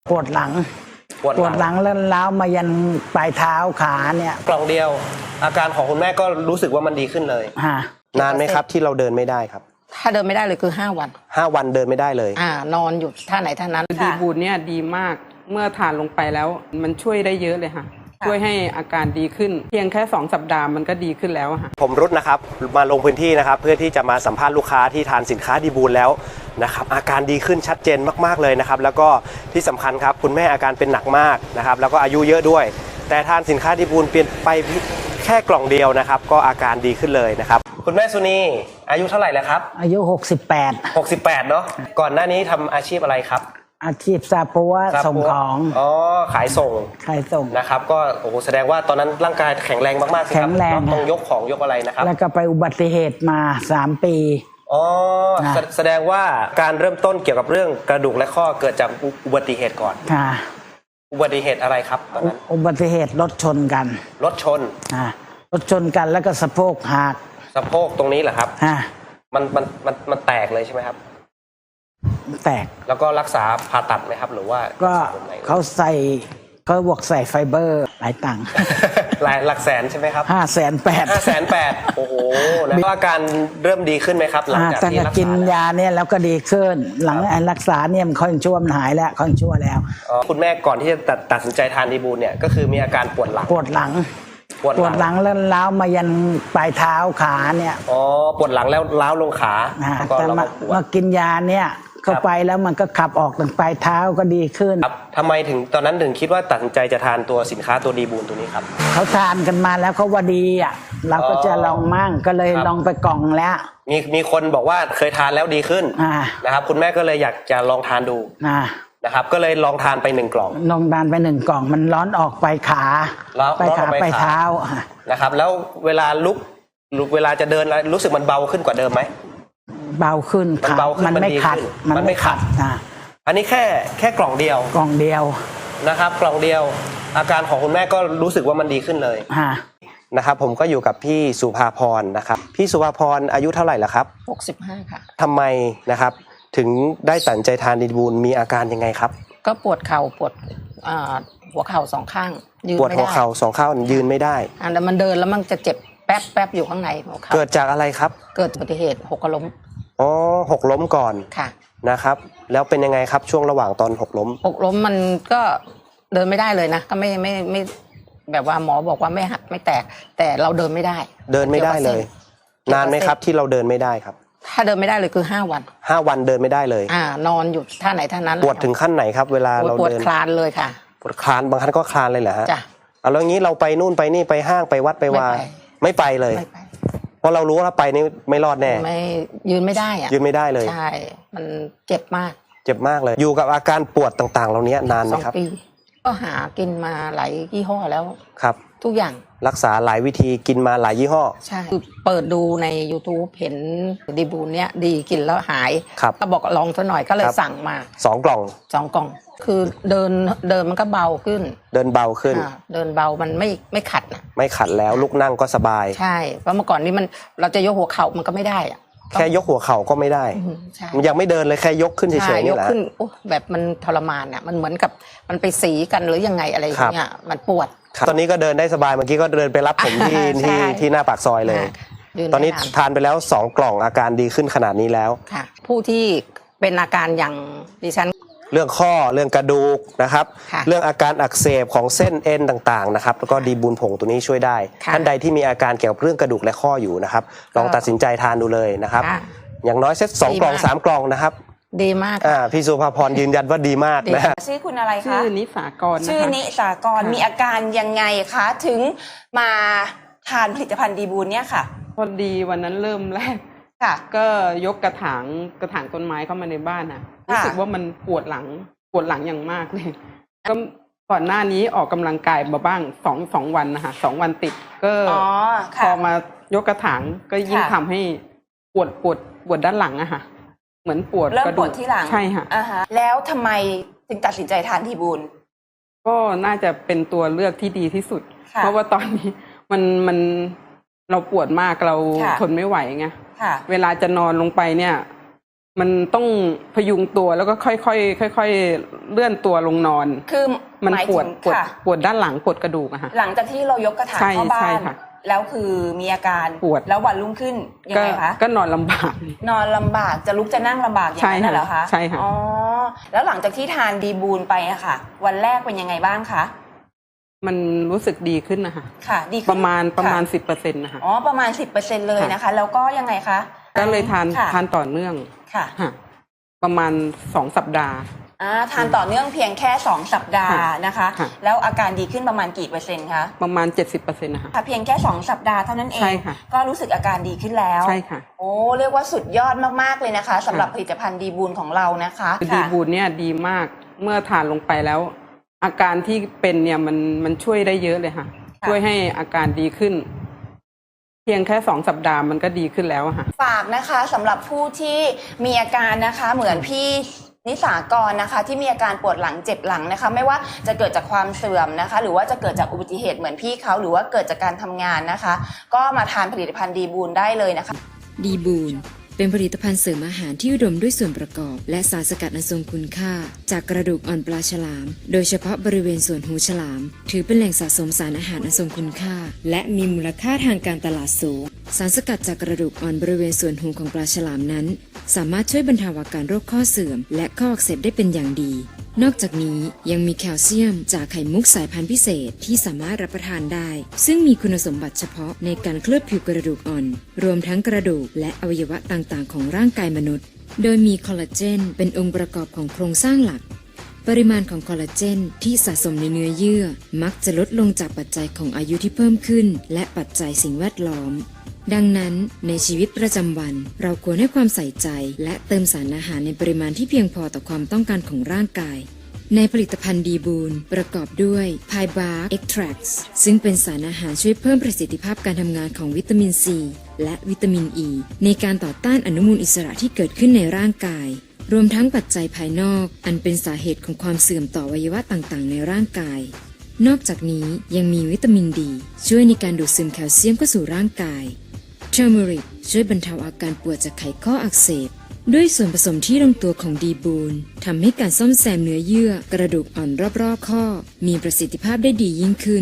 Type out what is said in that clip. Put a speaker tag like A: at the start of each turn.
A: ปวดหลังแล้วล้าวมายันปลายเท้าขาเนี่ย
B: กล่องเดียวอาการของคุณแม่ก็รู้สึกว่ามันดีขึ้นเลยนานไหมครับที่เราเดินไม่ได้ครับ
C: ถ้าเดินไม่ได้เลยคือ5 วัน
B: 5 วันเดินไม่ได้เลย
C: นอนอยู่ท่าไหนท่านั้น
D: ดีบูนเนี่ยดีมากเมื่อทานลงไปแล้วมันช่วยได้เยอะเลยค่ะช่วยให้อาการดีขึ้นเพียงแค่2 สัปดาห์มันก็ดีขึ้นแล้วค่ะ
B: ผมรุดนะครับมาลงพื้นที่นะครับเพื่อที่จะมาสัมภาษณ์ลูกค้าที่ทานสินค้าดีบูนแล้วนะครับอาการดีขึ้นชัดเจนมากๆเลยนะครับแล้วก็ที่สำคัญครับคุณแม่อาการเป็นหนักมากนะครับแล้วก็อายุเยอะด้วยแต่ทานสินค้าดีบูนเปลี่ยนไปแค่กล่องเดียวนะครับก็อาการดีขึ้นเลยนะครับคุณแม่สุนีอายุเท่าไหร่แล้วครับ
A: อายุ68
B: เนาะก่อนหน้านี้ทำอาชีพอะไรครับ
A: อาชีพซาปัวส่งของ
B: ขายส่งนะครับก็โอ้โหแสดงว่าตอนนั้นร่างกายแข็งแรงมากๆสิครับต้องยกของยกอะไรนะครับ
A: แล้วก็ไปอุบัติเหตุมา3 ปี
B: แสดงว่าการเริ่มต้นเกี่ยวกับเรื่องกระดูกและข้อเกิดจากอุบัติเหตุก่อนอุบัติเหตุอะไรครับตอนนั้น
A: อุบัติเหตุรถชนกัน
B: รถชน
A: แล้วก็สะโพกหัก
B: สะโพกตรงนี้เหรอครับมันแตกเลยใช่ไหมครับ
A: แตก
B: แล้วก็รักษาผ่าตัดไหมครับหรือว่า
A: ก็เขาบอกใส่ไฟเบอร์หลายตังค์
B: หลักแสนใช่ไหมครับ508,000โอ้โหแล้วอาการเริ่มดีขึ้นไหมครับหลังจากที่รักษา
A: กินยาเนี่ยแล้วก็ดีขึ้นหลังรักษาเนี่ยมันค่อยชั่วมันหายแล้วค่อยชั่วแล้ว
B: คุณแม่ก่อนที่จะตัดสินใจทานดีบูนเนี่ยก็คือมีอาการปวดหลัง
A: แล้วล้าวมายันปลายเท้าขาเนี่ย
B: ปวดหลังแล้วล้าวลงขา
A: แต่มากินยาเนี่ยเข้าไปแล้วมันก็ขับออกถึงปลายเท้าก็ดีขึ้น
B: ครับทำไมถึงตอนนั้นถึงคิดว่าตัดสินใจจะทานตัวสินค้าตัวดีบูนตัวนี้ครับ
A: เขาทานกันมาแล้วเขาว่าดีเราก็จะลองมั่งก็เลยลองไปกล่องแล้ว
B: มีคนบอกว่าเคยทานแล้วดีขึ้นนะครับคุณแม่ก็เลยอยากจะลองทานดูนะครับก็เลยลองทานไป1 กล่อง
A: ลองทานไป1 กล่องมันร้อนออกไปขาไปเท้า
B: นะครับแล้วเวลาลุกเวลาจะเดินรู้สึกมันเบาขึ้นกว่าเดิมไหม
A: เบาขึ้นมันไม่ขัด
B: อันนี้แค่กล่องเดียวนะครับกล่องเดียวอาการของคุณแม่ก็รู้สึกว่ามันดีขึ้นเลยนะครับผมก็อยู่กับพี่สุภาพรนะครับพี่สุภาพรอายุเท่าไหร่ล่ะครับ
C: 65ค่ะ
B: ทำไมนะครับถึงได้ตัดใจทานดีบูนมีอาการยังไงครับ
C: ก็ปวดเข่าปวดหัวเข่า2 ข้างยืนไม่ได้
B: ปวดหัวเข่า2 ข้างยืนไม่ได้
C: แต่มันเดินแล้วมันจะเจ็บแป๊บอยู่ข้างในหัวเข่า
B: เกิดจากอะไรครับ
C: เกิดอุบัติเหตุหกล้ม
B: หกล้มก่อน
C: ค่ะ
B: นะครับแล้วเป็นยังไงครับช่วงระหว่างตอนหกล้ม
C: มันก็เดินไม่ได้เลยนะก็ไม่แบบว่าหมอบอกว่าไม่หักไม่แตกแต่เราเดินไม่ได้
B: เลยนานไหมครับที่เราเดินไม่ได้ครับ
C: ถ้าเดินไม่ได้เลยคือ5 วัน
B: วันเดินไม่ได้เลย
C: นอนอยู่ท่าไหนท่านั้น
B: ปวดถึงขั้นไหนครับเวลาเราเดิน
C: ปวดคลานเลยค่ะ
B: ปวดคลานบางครั้งก็คลานเลยเหรอฮะ
C: จ้ะ
B: แล้วงี้เราไปนู่นไปนี่ไปห้างไปวัดไปวาไม่ไปเลยเพราะเรารู้ว่าไปนี่ไม่รอดแน่
C: ไม่ยืนไม่ได้
B: ยืนไม่ได้เลย
C: ใช่มันเจ็บมาก
B: เลยอยู่กับอาการปวดต่างๆเหล่านี้นานไหมครับ
C: 2 ปีก็หากินมาหลายยี่ห้อแล้ว
B: ครับ
C: ทุกอย่าง
B: รักษาหลายวิธีกินมาหลายยี่ห้อ
C: ใช่เปิดดูใน YouTube เห็นดีบูนเนี้ยดีกินแล้วหายก็บอกลองซะหน่อยก็เลยสั่งมา
B: 2 กล่อง
C: คือเดินมันก็เบาขึ้น
B: เดินเบาขึ้น
C: เดินเบามันไม่ขัดนะ
B: ไม่ขัดแล้วลุกนั่งก็สบาย
C: ใช่เพราะเมื่อก่อนนี้เราจะยกหัวเข่ามันก็ไม่ได้
B: แค่ยกหัวเข่าก็ไม่ได้มันยังไม่เดินเลยแค่ยกขึ้นเฉยๆนี่แหละ
C: ยกขึ้นแบบมันทรมานมันเหมือนกับมันไปสีกันหรือยังไงอะไรอย่างเงี้ยมันปวด
B: ตอนนี้ก็เดินได้สบายเมื่อกี้ก็เดินไปรับผมที่หน้าปากซอยเลยตอนนี้ทานไปแล้ว2 กล่องอาการดีขึ้นขนาดนี้แล้ว
C: ค่ะผู้ที่เป็นอาการอย่างดิฉัน
B: เรื่องข้อเรื่องกระดูกนะครับเรื่องอาการอักเสบของเส้นเอ็นต่างๆนะครับแล้วก็ดีบูนผงตัวนี้ช่วยได้ท่านใดที่มีอาการเกี่ยวกับเรื่องกระดูกและข้ออยู่นะครับลองตัดสินใจทานดูเลยนะครับอย่างน้อยเซต2 กล่อง3 กล่องนะครับ
C: ดีมาก
B: พี่สุภาพรยืนยันว่าดีมากนะ
E: ชื่อคุณอะไรคะ
D: ชื่อนิสากร
E: ชื่อนิสากรมีอาการยังไงคะถึงมาทานผลิตภัณฑ์ดีบูนเนี่ยค่ะ
D: พอดีวันนั้นเริ่มแรกก็ยกกระถางต้นไม้เข้ามาในบ้านรู้สึกว่ามันปวดหลังอย่างมากเลยก็ก่อนหน้านี้ออกกำลังกายมาบ้าง2 วันนะคะ2 วันติดก็พอมายกกระถางก็ยิ่งทำให้ปวดด้านหลังอะค่ะเหมือนปวด
E: เริ่มปวดที่หลัง
D: ใช่ค่ะ
E: แล้วทำไมถึงตัดสินใจทานดีบูน
D: ก็น่าจะเป็นตัวเลือกที่ดีที่สุดเพราะว่าตอนนี้มันเราปวดมากเราทนไม่ไหวไงเวลาจะนอนลงไปเนี่ยมันต้องพยุงตัวแล้วก็ค่อยๆเลื่อนตัวลงนอน
E: คือ
D: มัน
E: หมาย
D: ปว
E: ถึ
D: ด
E: ง
D: ปวด
E: ค่ะ
D: ปวดด้านหลังปวดกระดูกอะค่ะ
E: หลังจากที่เรายกกระถาง
D: ใช่
E: เข้าบ้า
D: ใช่
E: น
D: ค่ะ
E: แล้วคือมีอาการ
D: ปวด
E: แล้ววันรุ่งขึ้นยังไงคะ
D: ก็นอนลำบาก
E: นอนลำบากจะลุกจะนั่งลำบากอย่างนั้นน่ะเหรอคะ
D: ใช่ค่ะ
E: อ๋อแล้วหลังจากที่ทานดีบูนไปอะค่ะ วันแรกเป็นยังไงบ้างคะ
D: มันรู้สึกดีขึ้นนะคะ
E: ค่ะ ดีขึ้น
D: ประมาณ
E: ค่ะ
D: 10%นะคะ
E: อ๋อประมาณ 10%เลยนะคะ แล้วก็ยังไงคะ
D: ก็เลยทาน
E: ค่ะ
D: ทานต่อเนื่อง
E: ค่ะ
D: ค่ะประมาณ2 สัปดาห์
E: ทานต่อเนื่องเพียงแค่2 สัปดาห์นะคะ
D: ค่ะ
E: แล้วอาการดีขึ้นประมาณกี่เปอร์เซ็นต์คะ
D: ประมาณ 70%นะคะ
E: ค่ะเพียงแค่2 สัปดาห์เท่านั้นเอ
D: ใช่
E: ง
D: ค่ะ
E: ก็รู้สึกอาการดีขึ้นแล้ว
D: ใช่ค่ะ
E: โอ้เรียกว่าสุดยอดมากๆเลยนะคะสำหรับผลิตภัณฑ์ดีบูนของเรานะคะ
D: คือดีบูนเนี่ยดีมากเมื่อทานลงไปแล้ว อาการที่เป็นเนี่ยมันช่วยได้เยอะเลยค่ะ
E: ค่ะ
D: ช่วยให้อาการดีขึ้น เพียงแค่2 สัปดาห์มันก็ดีขึ้นแล้วอะค่ะ
E: ฝากนะคะสำหรับผู้ที่มีอาการนะคะเหมือนพี่นิสากรนะคะที่มีอาการปวดหลังเจ็บหลังนะคะไม่ว่าจะเกิดจากความเสื่อมนะคะหรือว่าจะเกิดจากอุบัติเหตุเหมือนพี่เขาหรือว่าเกิดจากการทำงานนะคะ ก็มาทานผลิตภัณฑ์ดีบูนได้เลยนะคะ
F: ดีบูนเป็นผลิตภัณฑ์เสริมอาหารที่อุดมด้วยส่วนประกอบ และสารสกัดอันทรงคุณค่า จากกระดูกอ่อนปลาฉลาม โดยเฉพาะบริเวณส่วนหูฉลาม ถือเป็นแหล่งสะสมสารอาหารอันทรงคุณค่า และมีมูลค่าทางการตลาดสูง สารสกัดจากกระดูกอ่อนบริเวณส่วนหูของปลาฉลามนั้น สามารถช่วยบรรเทาอาการโรคข้อเสื่อม และข้ออักเสบได้เป็นอย่างดี นอกจากนี้ยังมีแคลเซียมจากไข่มุกสายพันธุ์พิเศษที่สามารถรับประทานได้ ซึ่งมีคุณสมบัติเฉพาะในการเคลือบผิวกระดูกอ่อน รวมทั้งกระดูกและอวัยวะต่างๆของร่างกายมนุษย์ โดยมีคอลลาเจนเป็นองค์ประกอบของโครงสร้างหลัก ปริมาณของคอลลาเจนที่สะสมในเนื้อเยื่อ มักจะลดลงจากปัจจัยของอายุที่เพิ่มขึ้น และปัจจัยสิ่งแวดล้อม ดังนั้นในชีวิตประจำวันเราควรให้ความใส่ใจ และเติมสารอาหารในปริมาณที่เพียงพอต่อความต้องการของร่างกาย ในผลิตภัณฑ์ดีบูนประกอบด้วยไพบาร์เอ็กทรักซ์ซึ่งเป็นสารอาหารช่วยเพิ่มประสิทธิภาพการทำงานของวิตามินซีและวิตามินอ e ีในการต่อต้านอนุมูลอิสระที่เกิดขึ้นในร่างกาย รวมทั้งปัจจัยภายนอกอันเป็นสาเหตุของความเสื่อมต่ออวัยวะต่างๆในร่างกาย นอกจากนี้ยังมีวิตามินดีช่วยในการดูดซึมแคลเซียมเข้าสู่ร่างกายเทอร์เมริกช่วยบรรเทาอาการปวดจากไขข้ออักเสบด้วยส่วนผสมที่ลงตัวของดีบูนทำให้การซ่อมแซมเนื้อเยื่อกระดูกอ่อนรอบๆข้อมีประสิทธิภาพได้ดียิ่งขึ้น